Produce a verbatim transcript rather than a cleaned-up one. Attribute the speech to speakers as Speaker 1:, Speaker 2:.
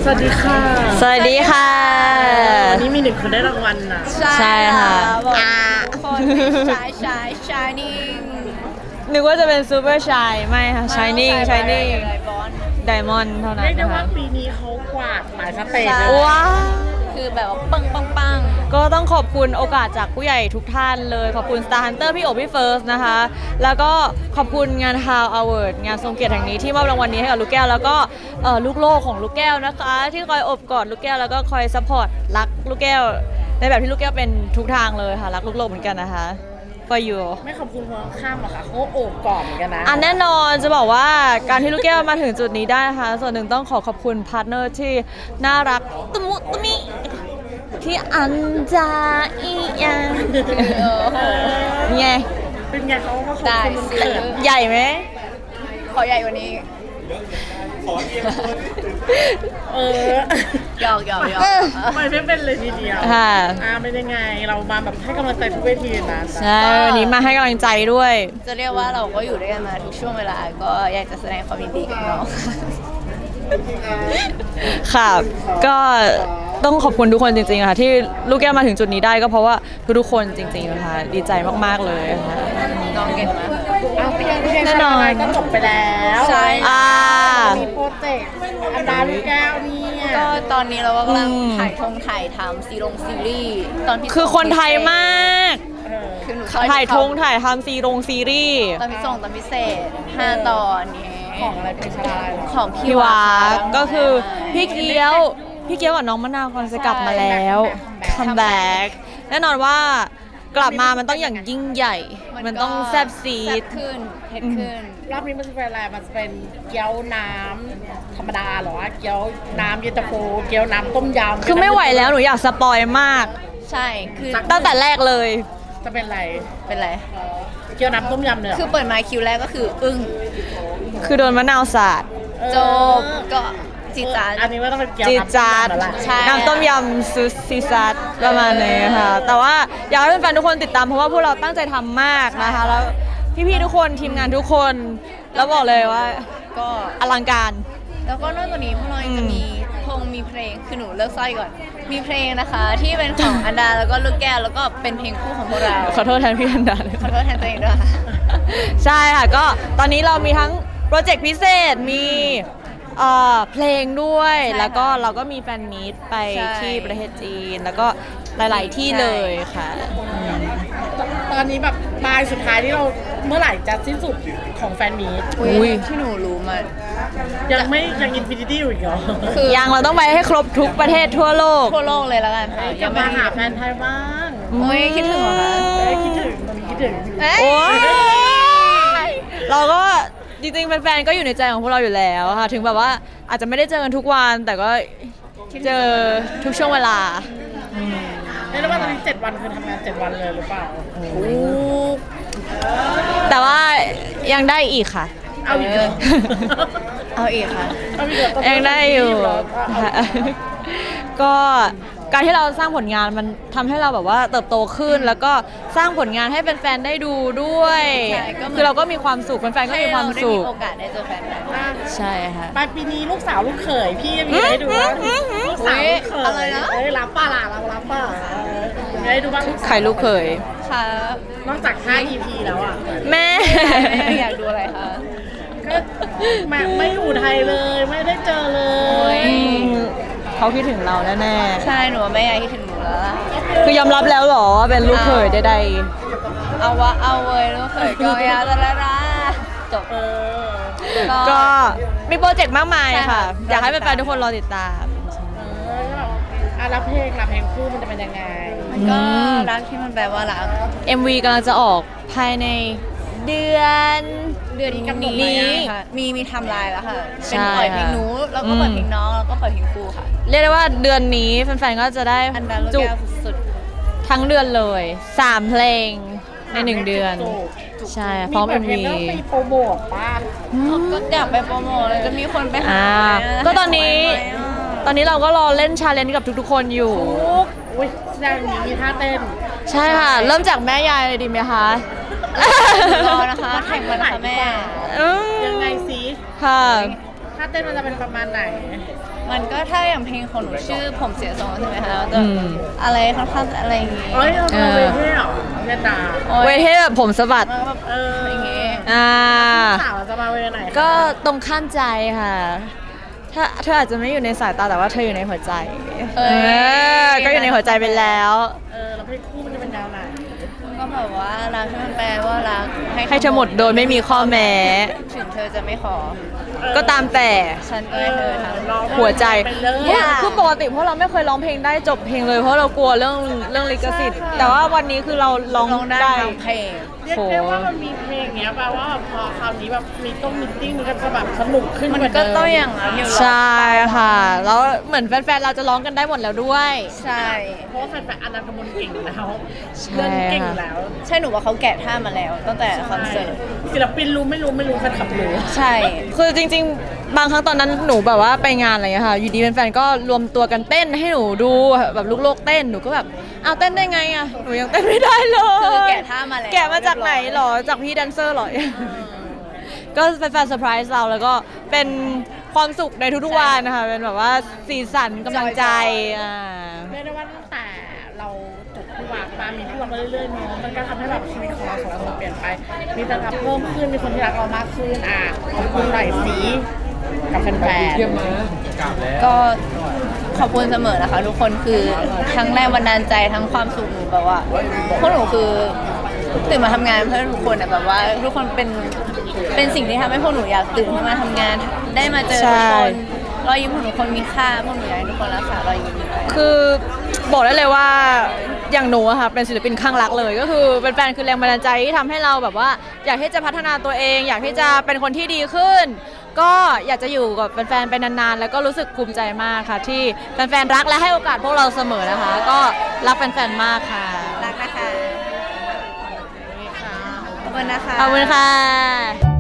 Speaker 1: สวัสดีค่ะ
Speaker 2: สวัสดีค่ะ
Speaker 1: วันนี้มีหนึ่งคนได้รางวัลนะ
Speaker 2: ใช่ค่ะ
Speaker 3: อ่าคนชายชายชายนิ่ง
Speaker 2: นึกว่าจะเป็นซูเปอร์ชายไม่ค่ะชายนิ่งชายนิ่งไดมอนด์เท่านั้น
Speaker 1: เรียกได้
Speaker 2: นะ
Speaker 1: ว่า
Speaker 2: คะ
Speaker 1: ปีนี้เขากวาดหลายสเตจเลย
Speaker 2: ว้าว
Speaker 3: คือแบบว่าปังปังปัง
Speaker 2: ก็ต้องขอบคุณโอกาสจากผู้ใหญ่ทุกท่านเลย ขอบคุณ Star Hunter พี่โอบพี่เฟิร์สนะคะ แล้วก็ขอบคุณงาน How Award งานทรงเกียรติแห่งนี้ที่มอบรางวัลนี้ให้กับลูกแก้ว แล้วก็เอ่อลูกโลกของลูกแก้วนะคะ ที่คอยอบกอดลูกแก้วแล้วก็คอยซัพพอร์ตรักลูกแก้วในแบบที่ลูกแก้วเป็นทุกทางเลยค่ะรักลูกโลกเหมือนกันนะคะ for you
Speaker 1: ไม่ขอบคุณคนข้ามหรอกค่ะเขาโอบกอดเหมือนกันนะ
Speaker 2: อันแน่นอนจะบอกว่าการที่ลูกแก้วมาถึงจุดนี้ได้นะคะส่วนหนึ่งต้องขอขอบคุณพาร์ทเนอร์ที่น่ารักตุมุตุมิที่อันจาอียังไง
Speaker 1: เป็นไงเขาเขาขอบ
Speaker 3: ได้
Speaker 1: คุณมัน
Speaker 3: ซื้
Speaker 1: เกิ
Speaker 3: อ
Speaker 1: ด
Speaker 2: ใหญ่ไหม
Speaker 3: ขอใหญ่กว่านี้
Speaker 1: เออ
Speaker 3: หยอกหยอกหยอก
Speaker 1: ไม่ไม่เป็นเลยทีเดียว
Speaker 2: ค่ะ
Speaker 1: อ่าเป็นยังไงเรามาแบบให้กำลังใจทุกเวทีนะ
Speaker 2: ใช่วันนี้มาให้กำลังใจด้วย
Speaker 3: จะเรียกว่าเราก็อยู่ด้วยกันมาทุกช่วงเวลาก็อยากจะแสดงความยินดีกับน้อง
Speaker 2: ค่ะ ก็ต้องขอบคุณทุกคนจริงๆค่ะที่ลูกแก้วมาถึงจุดนี้ได้ก็เพราะว่าทุกๆคนจริงๆนะคะดีใจมากๆเลยค่ะ
Speaker 3: น้องเก่งมาก
Speaker 1: อ้าวพี่ยังพี่ยัง
Speaker 2: แน่นอน
Speaker 1: ก็จบไปแล้ว
Speaker 3: ใช่
Speaker 2: อ่า
Speaker 1: มีโปรเจกต์อันดาลูกแก้วเนี่ย
Speaker 3: ก็ตอนนี้เราก็กำลัง
Speaker 2: อืม
Speaker 3: ถ่ายทงถ่ายทำซีรงซีรีส์ตอนที่
Speaker 2: คือคนไทยมาก
Speaker 1: เออ
Speaker 3: คือหนู
Speaker 2: ถ่ายทงถ่ายทำซีรงซีรีส์
Speaker 3: ตอนพิเศษตอนพิเศษห้าตอนนี้
Speaker 1: ของอะไรเพชรลาย
Speaker 3: ของพี่
Speaker 2: พี่วา
Speaker 3: า
Speaker 2: ก็คือพี่เกี้ยวพี่เกี้ยวกับน้องมะนาวกำลังจะกลับมาแล้วคัมแบ็กแน่นอนว่ากลับมามันต้องอย่างยิ่งใหญ่ มันต้องแซ่บซี
Speaker 3: แซ่
Speaker 2: ด
Speaker 3: บขึ้นเผ็ดขึ้น
Speaker 1: รอบนี้มันจะเป็นอะไรมันจะเป็นเกี๊ยวน้ำธรรมดาเหรอเกี๊ยวน้ำเย็นตาโฟเกี๊ยวน้ำต้มยำ
Speaker 2: คือไม่ไหวแล้วหนูอยากสปอยมาก
Speaker 3: ใช่คือ
Speaker 2: ตั้งแต่แรกเลย
Speaker 1: จะเป็นอะไร
Speaker 3: เป็นไร
Speaker 1: เกี๊ยวน้ำต้มยำเนี่ย
Speaker 3: คือเปิดมาคิวแรกก็คืออึ้ง
Speaker 2: คือโดนมะนาวสาด
Speaker 3: จบก็จีดจาด
Speaker 1: อันนี้ว่าต้องเป็นเกี๊ยว
Speaker 2: จีด
Speaker 1: น้ำ
Speaker 2: จาด
Speaker 1: ต้มยำแล้วล่ะ
Speaker 3: ใช่
Speaker 2: น้ำต้มยำซูซีซัดประมาณนี้ค่ะ แต่ว่าอยากให้แฟนๆทุกคนติดตามเพราะว่าพวกเราตั้งใจทำมากนะคะ แล้วพี่ๆทุกคนทีมงานทุกคน แล้วบอกเลยว่า
Speaker 3: ก็
Speaker 2: อลังการ
Speaker 3: แล้วก็นอกจากนี้พวกเรายังจะมีพงมีเพลงคือหนูเลิกสร้อยก่อน มีเพลงนะคะ ที่เป็นของอันดาแล้วก็ลูกแก้วแล้วก็เป็นเพลงคู่ของพวกเรา
Speaker 2: ขอโทษแทนพี่อันดาเลย
Speaker 3: ขอโทษแทนตัวเองด้วยค่ะ
Speaker 2: ใช่ค่ะก็ตอนนี้เรามีทั้งโปรเจกต์พิเศษมีเอ่อเพลงด้วย
Speaker 3: ใช่ค่ะ
Speaker 2: แล้วก็เราก็มีแฟนมีตไป
Speaker 3: ใช่
Speaker 2: ที่ประเทศจีน แล้วก็หลายๆที่
Speaker 3: ใช่
Speaker 2: เลยค่ะ
Speaker 1: ตอนนี้แบบปลายสุดท้ายที่เราเมื่อไหร่จะสิ้นสุดของแฟนมีต
Speaker 2: อุ๊
Speaker 3: อุ้
Speaker 2: ย
Speaker 3: ยที่หนูรู้มัน
Speaker 1: ยังไม่ยังอินฟินิตี้อยู่อีกเหรอ
Speaker 3: คือ
Speaker 2: ยังเราต้องไปให้ครบทุกประเทศทั่วโลก
Speaker 3: ทั่วโลกเลยแล้วกันค่ะ
Speaker 1: จะมาหาแฟนไทยบ้าง
Speaker 3: โอ้ยคิดถึงเหรอคะ
Speaker 1: เอ้ยคิดถึงตอนนี้คิดถึง
Speaker 3: เอ้ย
Speaker 2: โอ้ยเราก็จริงๆแฟนๆก็อยู่ในใจของพวกเราอยู่แล้วค่ะ ถึงแบบว่าอาจจะไม่ได้เจอกันทุกวัน แต่ก็เจอทุกช่วงเวลา
Speaker 1: เรียกได้ว่าตอนนี้เจ็ดวันคือทำงานเจ็ดวันเลยหรือเปล่า
Speaker 2: แต่ว่ายังได้อีกค่ะ
Speaker 1: เอาอีกเหรอ
Speaker 3: เอาอีกค่ะ
Speaker 1: เอาอีกเหรอตอนนี้
Speaker 2: ยังได้อยู่
Speaker 1: รีบเหรอ
Speaker 2: ค่ะก็การที่เราสร้างผลงานมันทำให้เราแบบว่าเติบโตขึ้น แล้วก็สร้างผลงานให้แฟนๆได้ดูด้วย
Speaker 3: ใช่ก็เหมือน
Speaker 2: คือเราก็มีความสุขแฟนๆก็มีความสุข
Speaker 3: ให้เรได้มีโอกาสได้เจอแฟนๆ
Speaker 1: อ่ะ
Speaker 2: ใช่ค่ะ
Speaker 1: ปลายปีนี้ลูกสาวลูกเขยพี่จะมีอะไรให้ดูบ้างลูกสาวลูกเขย
Speaker 3: อะไรนะ
Speaker 1: เอ้ยรับป้าล่ะเรารับป้าเออมีอะไรให้ดูบ้าง
Speaker 2: ใครลูกเขย
Speaker 3: ค่ะ
Speaker 1: นอกจากห้า อี พี แล้วอ่ะ
Speaker 2: แม่
Speaker 3: อยากดูอะไรคะ
Speaker 1: ก็แม่ไม่อยู่ไทยเลยไม่ได้เจอเล
Speaker 3: โอ้
Speaker 1: ย
Speaker 3: ย
Speaker 2: เขาคิดถึงเราแน่
Speaker 3: ใช่หนูว่าแม่ยายคิดถึงหนูแล้วล่ะ
Speaker 2: ๆคือยอมรับแล้วเหรอว่าเป็นลูกเขยใด
Speaker 3: เอาวะเอาเว้ยลูกเขยก็ยาตะละละจบ
Speaker 1: เออ
Speaker 2: ๆก็มีโปรเจกต์มากมาย
Speaker 3: ใช่ค่ะ
Speaker 2: ค่ะ อยากให้แฟนๆทุกคนรอติดตาม
Speaker 1: เออแล้วแบบอ่ะรับเพลงรับเพลงคู่มันจะเป็นยังไง
Speaker 3: ก็รักที่มันแปลว่ารัก
Speaker 2: เอ็ม วี กำลังจะออกภายในเดือน
Speaker 3: เดือนนี้กำหนด
Speaker 2: นี้
Speaker 3: ไว้ยังค่ะมีมีไทำลายแล้วค่ะ
Speaker 2: ใช่
Speaker 3: เป็นปล่อยเพลงหนูแล้วก็ปล่อย
Speaker 2: อืม
Speaker 3: เพลงน้องแล้วก็ปล่อยเพลงครูค่ะ
Speaker 2: เรียกได้ว่าเดือนนี้แฟนๆก็จะได้
Speaker 3: อันดาลูก
Speaker 2: จุก
Speaker 3: แก้วสุด
Speaker 2: ทั้งเดือนเลยสามเพลงในหนึ่งเดือน
Speaker 1: จุก
Speaker 2: ใช่พร้อม
Speaker 1: ปิ
Speaker 2: เอ็
Speaker 1: ด
Speaker 2: ม
Speaker 1: เพลง
Speaker 2: วี
Speaker 1: แล้วไปโปรโมทป่ะ
Speaker 3: ๆก็อยากไปโปรโมทเลยจะมีคนไปหา
Speaker 2: อ่า
Speaker 3: ไหมะ
Speaker 2: ก็ตอนนี้
Speaker 3: ให้ไหมอะ
Speaker 2: ตอนนี้เราก็รอเล่นชาเลนจ์กับทุกๆคนอยู่
Speaker 1: อุ้ยแสดงอย่างนี้มีท่าเต้น
Speaker 2: ใช่ค่ะ เริ่มจากแม่ยายเลยดีไหมคะ
Speaker 3: รอนะคะแข่งกันนะคะแม่
Speaker 2: อืม
Speaker 1: ยังไงสิ
Speaker 2: ค่ะ
Speaker 1: ท่าาเต้นมันจะเป็นประมาณไหน
Speaker 3: มันก็ถ้าอย่างเพลงของหนูชื่อผมเสียทรงใช่ไหมคะแล้วก็
Speaker 2: อืม
Speaker 3: อะไรค่อนข้างอะไรอย่างงี้
Speaker 1: เอ้ยเราเป็นเวทีเหรอเวียดนาม
Speaker 3: โอ๊ย
Speaker 2: เวทให้แบบผมสะบัด
Speaker 1: มาแบบเอออย่างเงี้ย
Speaker 2: อ่า
Speaker 1: สาวจะมาเวทีไหนคะ
Speaker 2: ก็ตรงข้ามใจค่ะ ถ้าเธออาจจะไม่อยู่ในสายตาแต่ว่าเธออยู่ในหัวใจ
Speaker 3: เอ้ย
Speaker 2: เออก็อยู่ในหัวใจไปแล้ว
Speaker 1: เออแล้วเพลงคู่มันจะเป็นแนวไหน
Speaker 3: ก็แบบว่ารักที่มันแปลว่ารัก
Speaker 2: ให้เธอหมดโดยไม่มีข้อแม้
Speaker 3: ถึงเธอจะไม่ขอ
Speaker 2: ก็ตามแต่
Speaker 3: ฉันก็ให้เธอทำ
Speaker 1: ร้อง
Speaker 2: หัวใจ
Speaker 1: ไปเลย
Speaker 2: คือคือปกติพวกเราไม่เคยร้องเพลงได้จบเพลงเลยเพราะเรากลัวเรื่องเรื่องลิขสิทธิ์ แต่ว่าวันนี้คือเราร้อง
Speaker 3: ร้องได้
Speaker 2: ได้
Speaker 3: ทั้งเพลง
Speaker 1: เรียกได้ว่ามันมีเพลงเนี้ยแปลว่าพอคราวนี้แบบมีต้องมิทติ้งมันก็จะแบบสนุกขึ้น
Speaker 3: มัน
Speaker 1: ว่า
Speaker 3: ก็
Speaker 1: เดิ
Speaker 3: ต้องอย่างนั้นอยู่หรอ
Speaker 2: ใช่ค่ะ แล้วเหมือนแฟนๆเราจะร้องกันได้หมดแล้วด้วย
Speaker 3: ใช่
Speaker 1: เพราะว่าแฟนๆอนันต์กมลเก่งอยู่แล้ว
Speaker 2: ใช่
Speaker 1: เล่นเก่งอยู่แล้ว
Speaker 3: ใช่หนูว่าเขาแกะท่ามาแล้ว ตั้งแต่คอนเสิร์ต
Speaker 1: ศิลปินรู้ไม่รู้ไม่รู้แฟนคลับรู้
Speaker 3: ใช่
Speaker 2: คือจริงๆ บางครั้งตอนนั้นหนูแบบว่าไปงานอะไรอย่างเงี้ยค่ะ อยู่ดีแฟนๆก็รวมตัวกันเต้นให้หนูดูแบบลูกโลกเต้น หนูก็แบบอ้าวเต้นได้ไงอ่ะ หนูยังเต้นไม่ได้เลย
Speaker 3: คือแกะท่ามาแล้ว
Speaker 2: แกะมาจากไหนหรอ จากพี่แดนเซอร์หรอ ก็แฟนๆเซอร์ไพรส์เราแล้วก็เป็นความสุขในทุกๆวันนะคะ เป็นแบบว่าสีสันกำลังใจอ่า
Speaker 1: เรียกได้ว่าตั้งแต่เราจบผู้วางมามีผู้วางมาเรื่อยๆเนาะมันก็ทำให้แบบชีวิตของเราสองคนเปลี่ยนไป มีแฟนคลับเพิ่มขึ้นมีคนที่รักเรามากขึ้นอ่ะขอบคุณหน่อยสิกับแฟน
Speaker 3: ก็ขอบคุณเสมอนะคะ ทุกคนคือทั้งแรงบันดาลใจทั้งความสุขหนูแบบว่าพวกหนูคือตื่นมาทำงานเพื่อทุกคนอะแบบว่า ทุกคนเป็นเป็นสิ่งที่ทำให้พวกหนูอยากตื่นขึ้นมาทำงาน ได้มาเจอทุกคนรอยยิ้มของทุกคนมีค่าพวกหนูอยากให้ทุกคนรักษารอยยิ้มนี้ไว้
Speaker 2: คือบอกได้เลยว่าอย่างหนูอะค่ะเป็นศิลปินข้างรักเลย ก็คือเป็นแฟนคือแรงบันดาลใจที่ทำให้เราแบบว่า อยากที่จะพัฒนาตัวเอง อยากที่จะเป็นคนที่ดีขึ้น ก็อยากจะอยู่กับแฟนๆไปนานๆแล้วก็รู้สึกภูมิใจมากค่ะ ที่แฟนๆรักและให้โอกาสพวกเราเสมอนะคะ ก็รักแฟนๆมากค่ะ
Speaker 3: รักนะคะขอบคุณนะคะ
Speaker 2: ขอบคุณค่ะ